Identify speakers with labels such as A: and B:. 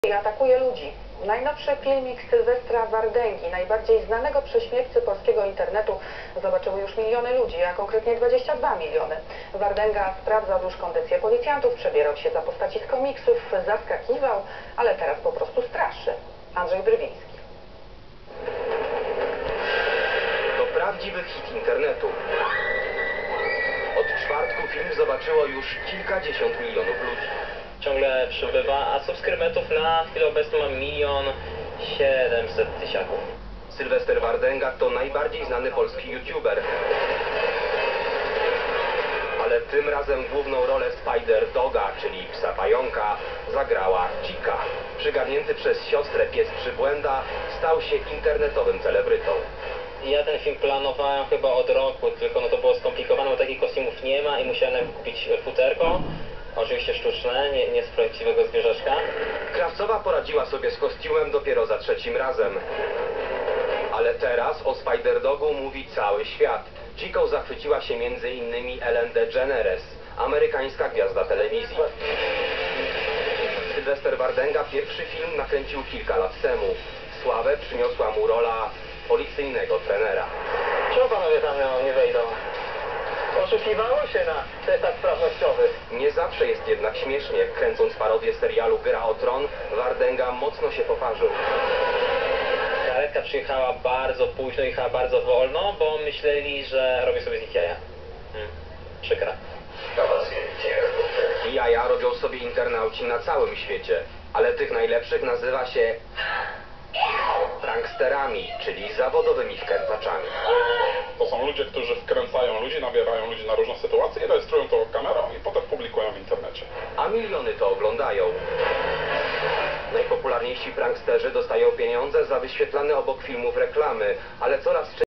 A: I atakuje ludzi. Najnowszy filmik Sylwestra Wardęgi, najbardziej znanego prześmiewcy polskiego internetu, zobaczyły już miliony ludzi, a konkretnie 22 miliony. Wardęga sprawdzał już kondycję policjantów, przebierał się za postaci z komiksów, zaskakiwał, ale teraz po prostu straszy. Andrzej Drwiński.
B: To prawdziwy hit internetu. Od czwartku film zobaczyło już kilkadziesiąt milionów ludzi.
C: Ciągle przybywa, a subskrybentów na chwilę obecną ma 1 700 000.
B: Sylwester Wardęga to najbardziej znany polski youtuber. Ale tym razem główną rolę Spider-Doga, czyli psa pająka, zagrała Chica. Przygarnięty przez siostrę pies Przybłęda stał się internetowym celebrytą.
C: Ja ten film planowałem chyba od roku, tylko to było skomplikowane, bo takich kostiumów nie ma i musiałem kupić futerko. Oczywiście sztuczne, nie z prawdziwego zwierzaczka.
B: Krawcowa poradziła sobie z kostiumem dopiero za trzecim razem. Ale teraz o Spider-Dogu mówi cały świat. Chicą zachwyciła się m.in. Ellen DeGeneres, amerykańska gwiazda telewizji. Sylwester Wardęga pierwszy film nakręcił kilka lat temu. Sławę przyniosła mu rola policyjnego trenera.
C: Czemu panowie tam nie wejdą? Oszukiwało się na testach sprawnościowych.
B: Nie zawsze jest jednak śmiesznie. Kręcąc parodię serialu Gra o Tron, Wardęga mocno się poparzył.
C: Karetka przyjechała bardzo późno, jechała bardzo wolno, bo myśleli, że robię sobie z nich jaja. Przykra.
B: Jaja robią sobie internauci na całym świecie, ale tych najlepszych nazywa się pranksterami, czyli zawodowymi wkrętaczami.
D: To są ludzie, którzy wkręcają ludzi, nabierają ludzi na różne sytuacje, rejestrują to kamerą i potem publikują w internecie.
B: A miliony to oglądają. Najpopularniejsi pranksterzy dostają pieniądze za wyświetlane obok filmów reklamy, ale coraz częściej